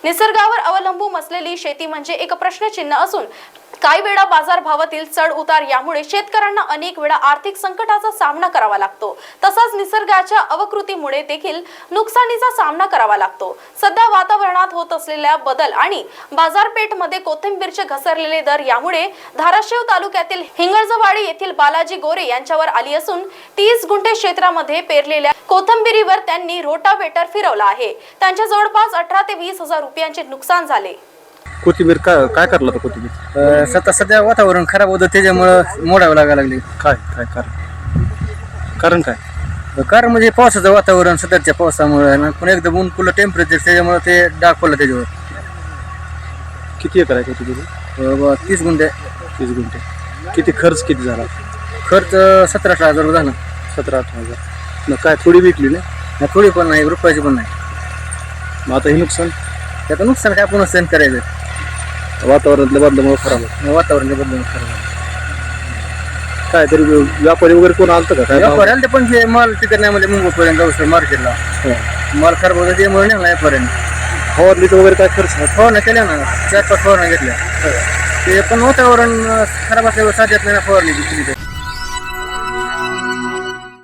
निसर्गावर अवलंबून असलेली शेती म्हणजे एक प्रश्नचिन्ह असून काही वेळा बाजारभावातील चढ उतार यामुळे शेतकऱ्यांना अनेक वेळा आर्थिक संकटाचा सामना करावा लागतो। तसाच निसर्गाच्या अवकृतीमुळे देखील नुकसानीचा सामना करावा लागतो। सध्या वातावरणात होत असलेल्या बदल आणि बाजारपेठमध्ये कोथिंबीरचे घसरलेले दर यामुळे धाराशिव तालुक्यातील हिंगळजवाडी येथील बालाजी गोरे यांच्यावर आली असून 30 गुंठे क्षेत्रामध्ये पेरलेल्या कोथिंबीरीवर त्यांनी रोटावेटर फिरवला आहे। त्यांच्या जवळपास 18 ते 20 हजार रुपयांचे नुकसान झाले। कोथिंबीर काय करला तर कोथिंबीर सध्या वातावरण खराब होतं त्याच्यामुळे मोडावं लागायला लागले। काय कारण कारण म्हणजे पावसाचं वातावरण सध्याच्या पावसामुळे पण एकदम ऊन पुलं टेम्परेचर त्याच्यामुळे ते डाग पडलं त्याच्यावर। किती एकर आहे कोथिंबीर? 30 गुंठे। 30 गुंठे। किती खर्च किती झाला? खर्च 17-18 हजार झाला। 17-18 हजार। मग काय थोडी विकली ना? थोडी पण नाही, रुपयाची पण नाही। मग आता हे नुकसान त्याचं नुकसान काय आपण सहन करायचं? वातावरणातल्या बदलामुळे खराब होतं। वातावरण बदलून खराब काय तरी व्यापारी वगैरे कोण आलतं का? काय व्यापारी आले पण हे माल तिकडे नाही म्हणजे मुंबईपर्यंत जाऊ शकतो मार्केटला। माल खराब होता त्यामुळे नाही व्यापाऱ्यांनी फवारणीचं वगैरे काय खर्च? फवारण्या केल्या ना, 4-5 फवारण्या घेतल्या। ते पण वातावरण खराब असल्यावर साध्यात नाही फवारणी केली।